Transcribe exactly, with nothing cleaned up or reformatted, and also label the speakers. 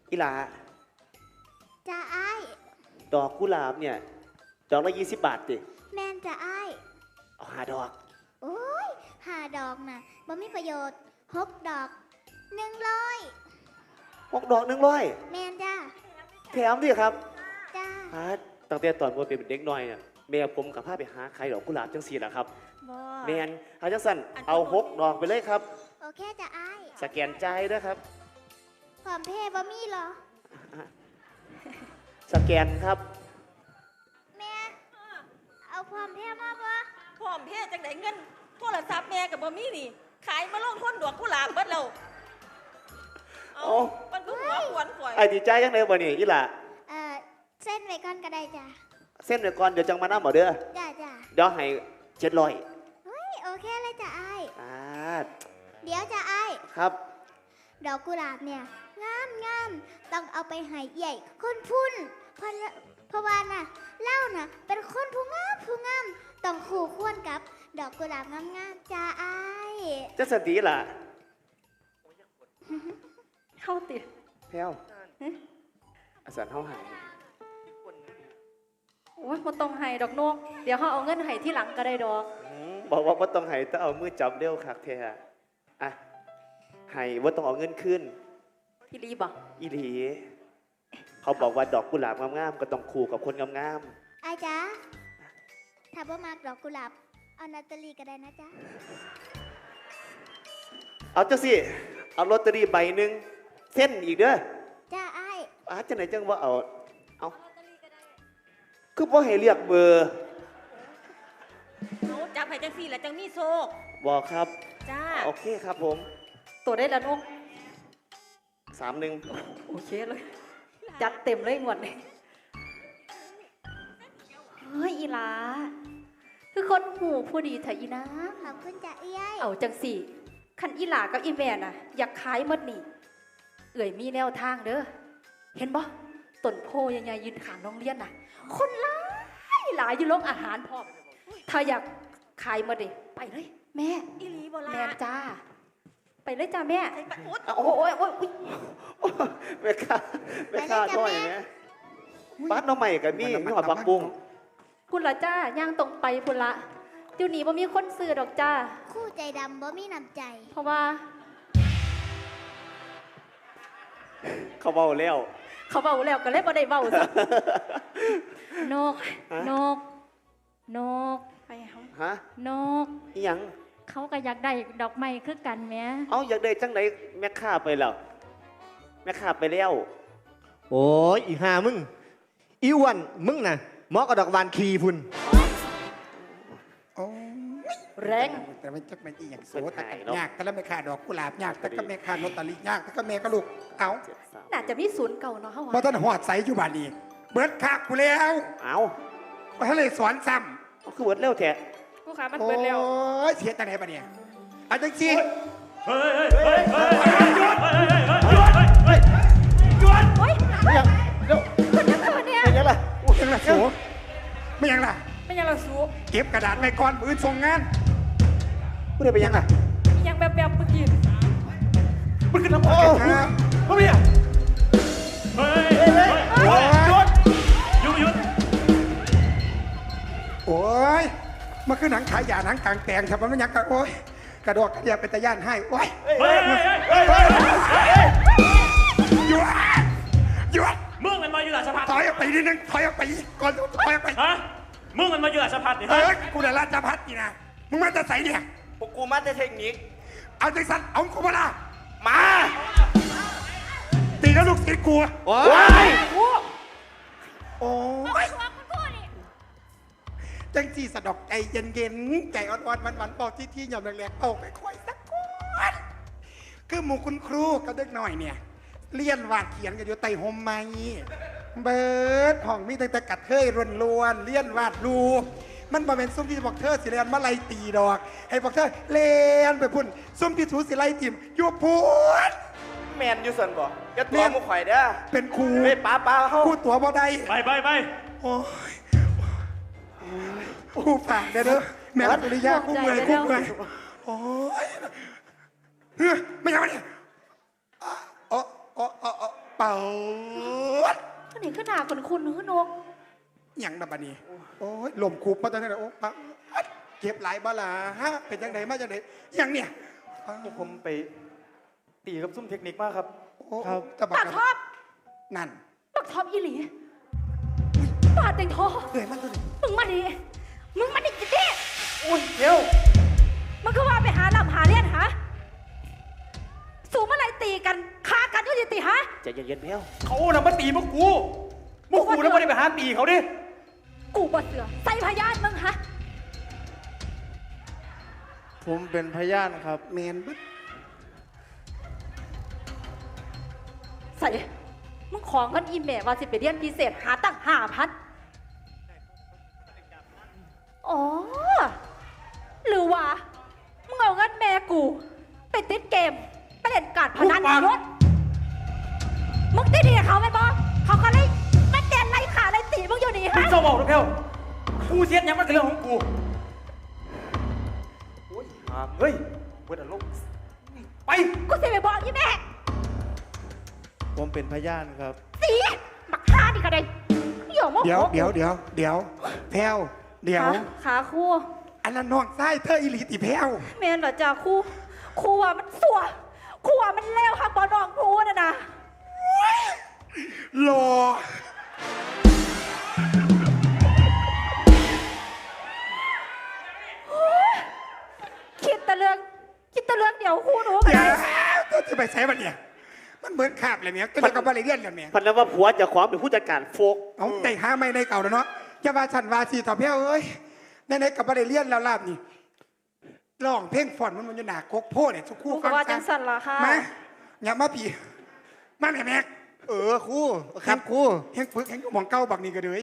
Speaker 1: อีหลา
Speaker 2: จ้าไอ้
Speaker 1: ดอกกุหลาบเนี่ยดอกละยี่สิบบาทดิ
Speaker 2: แมนจ้าไอ้
Speaker 1: เอาหาดอก
Speaker 2: โอ้ยหาดอกน่ะบ่มีประโยชน์หกดอกหนึ่งร้อย
Speaker 1: หกดอกหนึ่งร้อย
Speaker 2: แมนจ้า
Speaker 1: แถมดิครับ
Speaker 2: จ้า
Speaker 1: ฮะตั้งแต่ตอนว่าเป็นเด็กน้อยเนี่ยแม่ผมกับพาไปหาใครดอกกุหลาบจังสีแหละครับแมนเอาจังสันเอาหกดอกไปเลยครับ
Speaker 2: โอเคจ้าไอ้
Speaker 1: สแกนใจด้วยครับ
Speaker 2: พร้อมเพย์บ่มีหรอ
Speaker 1: สแกนครับ
Speaker 2: แม่เอาพร้อมเพย์มาปะ
Speaker 3: พร้อมเพย์จังไหนเงินโทรศัพท์แม่กับบ่มีนี่ขายมาลงทุนดอกกุหลาบเบิดแล้วเอามันก็หัวขวนข่อย
Speaker 1: ไอ้ดีใจยังไงบ่นี่อีหล่ะ
Speaker 2: เออเส้นไว้ก่อนก็ได้จ้า
Speaker 1: เส้นไว้ก่อนเดี๋ยวจังมาน้ำหมอเด้อ
Speaker 2: จ้าจ้า
Speaker 1: เดี๋ยวให้เจ็ดร้อย
Speaker 2: เฮ้ยโอเคเลยจ้าไอ้
Speaker 1: อ่า
Speaker 2: เดี๋ยวจ้าไอ้
Speaker 1: ครับ
Speaker 2: ดอกกุหลาบเนี่ยงามงามต้องเอาไปให้ใหญ่คนพุ่นเพราะเพราะว่าน่ะเล่าน่ะเป็นคนผู้งามผู้งามต้องคู่ควรกับดอกกุหลาบงามงามจ้าไอ้
Speaker 1: จะสติล่ะ
Speaker 3: เข้าติด
Speaker 1: แพ้วอาสาเข้าหาย
Speaker 3: โอ้ยมันต้องให้ดอกนกเดี๋ยวเขาเอาเงินให้ที่หลังก็ได้ดอก
Speaker 1: บอกว่าว่าต้องให้ต้องเอามือจับเร็วคักแท้อะให้ว่าต้องเอาเงินขึ้น
Speaker 3: พี่ลีบอก
Speaker 1: อีหลีเขาบอกว่าดอกกุหลาบงามๆก็ต้องคู่กับคนงาม
Speaker 2: ๆอาจ๊ะถ้าบ่มากดอกกุหลาบเอานาตาลีก็ได้นะจ๊ะ
Speaker 1: เอาเจ้าสิเอาลอตเตอรี่ใบหนึ่งเส้นอีกเด้อ
Speaker 2: จ้าไอ้
Speaker 1: อาจะไหนจังว่าเอาเอาคือพ่อให้เรียกเบอร์
Speaker 3: เขาจับให้จังสี่แล้วจังมีโซก
Speaker 1: บอกครับ
Speaker 3: จ้า
Speaker 1: โอเคครับผม
Speaker 3: ตัวได้แล้วนก
Speaker 1: สามหนึ่ง
Speaker 3: โอเคเลยจัดเต็มเลยหมดเลยเฮ้ยอีหลาคือคนหูผู้ดีเถอะอีนะ
Speaker 2: ขอบคุณจ้าเอ้ย
Speaker 3: เอาจังสี่คันอีหลากับอีแม่น่ะอยากขายหมดนี่เอื่อยมีแนวทางเด้อเห็นบ่ต้นโพยังไงยืนขางโรงเรียนน่ะคนหลายหลายอยู่โรงอาหารพร้อมถ้าอยากขายหมดดิไปเลยแม่
Speaker 2: อีหลีบ่ล่ะ
Speaker 3: แม่จ้าไปเลยจ้าแม่
Speaker 1: โอ้โหโอ้ยแม่ข้าแม่ข้าท่อยไหมบ้านน้องใหม่กับมี่มีหอดปักบุ้ง
Speaker 3: คุณละจ้าย่างตรงไปคุณละเดี๋ยวนี้บ่มีคนซื้อดอกจ้า
Speaker 2: คู่ใจดำบ่มีน้ำใจ
Speaker 3: เพราะว่า
Speaker 1: เขาเบาแล้ว
Speaker 3: เขาเบาแล้วก็เลยบ่ได้เบาซะนกนกนกไปเขา
Speaker 1: ฮะ
Speaker 3: นก
Speaker 1: อีหยัง
Speaker 3: เขาก็อยากได้ดอกไม้คือกันแม่
Speaker 1: เอาอยากได้จังไหนแม่ข้าไปแล้วแม่ข้าไปแล้ว
Speaker 4: โอ้ยอีห่ามึงอีอ้วนมึงน่ะเหมาะกับดอกวานคีพุ่น
Speaker 5: โอ้
Speaker 3: แรง
Speaker 5: แต่ไม่จักไม่อีอย่างโสแต่ยากแต่แล้วไม่ขาดดอกกุหลาบยากแต่ก็ไม่ขาดนตาลียากแต่ก็แม่ก็ลูกเอา
Speaker 3: น่าจะมีศูนย์เก่าเนาะเขาว่า
Speaker 5: เพราะท่านหอดใสอยู่บ้านนี้เบิร์ดคักกูแล้ว
Speaker 1: เอา
Speaker 5: เพราะท่านเลยสอนซ้
Speaker 1: ำคือเบิร์ดเร็วแท้
Speaker 3: กูขามันเบิร์ดเร็ว
Speaker 5: โอ้ยเสียแต่ไหนบ้านเนี่ยอาจารย์จี
Speaker 6: เฮ้ยเฮ้ยเฮ้ยเฮ้ยหยุดหยุดเฮ้ยหยุด
Speaker 3: เฮ้ย
Speaker 1: ยังเดี๋ยว
Speaker 3: เป็นยังไงเนี่ย
Speaker 1: เป็นยังไง
Speaker 5: ไม่ยังล่ะสูไม่ยังล่ะ
Speaker 3: ไม่ยังล่ะสู
Speaker 5: เก็บกระดาษไว้ก่อนมือส่งงาน
Speaker 1: พูดได้ไปยังล่ะ
Speaker 3: ยังแบบแบบเมื่อกี้
Speaker 6: มันขึ้นน้ำโอ้พ่อพี่เฮ้ยเฮ้ยหยุดหยุดหยุด
Speaker 5: โอ้ยมันคือหนังขายยาหนังกลางแปลงครับมันยังกระโอ้ยกระโดดกระเดียบเป็นตะย่านให้โอ้ย
Speaker 6: เฮ้ยเฮ้ยเฮ้ย
Speaker 5: หยุดหยุด
Speaker 6: มึงมันมาอยู่หลังสะพาน
Speaker 5: ถอยออกไปนิดนึงถอยออกไปก่อนถอยออกไป
Speaker 6: ฮะมึงมันมาอยู่หลังสะพาน
Speaker 5: เฮ้ยกูเดาราชพัฒน์นี่นะมึงมาจะใส่เนี่ย
Speaker 1: พวกกูมาแต่เทคนิค
Speaker 5: เอาใจสั่นเอากูมาละมาตีแล้วลูกศิษย์กู
Speaker 1: โอ้ย
Speaker 5: โอ้ยจังจีสะดอกใจเย็นๆใจอ่อนๆมันๆเป่าที่ที่หย่อมแรงๆเอาค่อยๆสักคนคือหมู่คุณครูกับเด็กหน่อยเนี่ยเลี้ยนวาดเขียนกันอยู่ไต่ห่มไม้เบิร์ดห้องมีแต่ตะกัดเฮ้ยรวนรวนเลี้ยนวาดรูปมันบ่เป็นซุ้มที่บอกเธอสิเลียนมาไล่ตีดอกให้บอกเธอเลียนไปพุ่นซุ้มที่ถูสิไล่ติมอยู่พุ่น
Speaker 1: แมนอยู่ส่วนบ่จะตัวมุขไข่เด้อ
Speaker 5: เป็นครู
Speaker 1: เฮ้ยป้าป้าเขา
Speaker 5: ครูตัวบ่ได้
Speaker 6: ไปไปไป
Speaker 5: โอ้ยครูฝากเด้อแม่รัตุริยาคู่เมื่อยคู่เมื่อยโอ้ยเฮ้ยไม่ยังไงอ๋ออ๋ออ๋อปเป่า
Speaker 3: ก็นี่ขึ้นหนาคนคุณหือนก
Speaker 5: หยังดับบันนี้โอ้ยลมคูบมาตั้งแต่โอ้ปะเก็บหลายบาลาฮะเป็นจังไดมาจังไดหยังเนี่ย
Speaker 6: พวกผมไปตีกับซุ่มเทคนิคมากครับ
Speaker 5: โอ้ตะบั
Speaker 3: ปาก กท็อป
Speaker 5: นั่น
Speaker 3: ปากท็อปอีหลีปาดเต็งทอ
Speaker 5: เอ้ยมันตัวนี้
Speaker 3: มึงมาดิมึงมาดิจิเต้
Speaker 6: อุ้ยเดี๋ยว
Speaker 3: มึงก็ว่าไปหาลำหาเลี้ยนหาสูงเมื่อไรตีกันฆ่ากันก็จะตีฮะ
Speaker 1: ใจเย็นๆแพ้ว
Speaker 6: เขาน่ะมาตีพวกกูพวกกูแล้วไม่ได้ไปหาตีเขาดิ
Speaker 3: กูบ่เสือใส่พยานมึงฮะ
Speaker 7: ผมเป็นพยานครับ
Speaker 5: แมนบึ๊ด
Speaker 3: ใส่มึงของกันอีเมลว่าสิไปเรียนพิเศษหาตั้งห้าพันอ๋อหรือว่ามึงเอาเงินแม่กูไปติดเกมไปเล่นการพนันรถมึงติดดีกับเขาไหมบอเขาก็เลยมันแดนไล่ขาไล่ตีมึงอยู่นี่
Speaker 6: มึ
Speaker 3: ฮะ
Speaker 6: งเจ้าบอกนะเพลกูเสียดยังมันเป็นเรื่องของกูโอ้ยหามเฮ้ยเวทอารมณ์ไป
Speaker 3: กูสิไปบอกอีแม่
Speaker 7: ผมเป็นพยานครับ
Speaker 3: สีบักฮาดิกระเด็นเดี๋ยวมึง
Speaker 5: เดี๋ยวเดี๋ยวเดี๋ยวเดี๋ยวแพรวเดี๋ยว
Speaker 3: ขาขาคู่
Speaker 5: อันนั้นน้องไส้เธออิลิติแพรว
Speaker 3: เมนเหรอจ้าครูครูว่ามันสัวครูว่ามันเลวค่ะบอดองครูน่ะนะ
Speaker 5: รอ
Speaker 3: คิดแต่เรื่องคิดแต่เรื่องเดี๋ยวครูหนูไป
Speaker 5: เดี๋ยวก็จะไปใช้มันเนี่ยมันเหมือนขาบเลยเนี่ยก็เลยกับบาลีเรียนกันเนี่ย
Speaker 1: พันนั้นว่าผัวเจะขวางเป็นผู้จัดการโฟก
Speaker 5: เอาใจห้าไม่ในเก่าแล้วเนาะจะว่าฉันว่าสีต่อแพรวเอ้ยในในกับบาลีเรียนแล้วลาบนี่ร้องเพลงฝอนมันมันอยู่หนากกโพเนี่ยสุ
Speaker 3: ค
Speaker 5: คู่
Speaker 3: รูก็
Speaker 5: ฟัง
Speaker 3: ว่าจั
Speaker 5: กั
Speaker 3: ง
Speaker 5: น
Speaker 3: สันละค่ะ
Speaker 5: มาอย่ามาผีมาแม่แม่
Speaker 4: เออครูครับครู
Speaker 5: แห้งปึกแห้งหมองเก้าบักนี่ก็เลย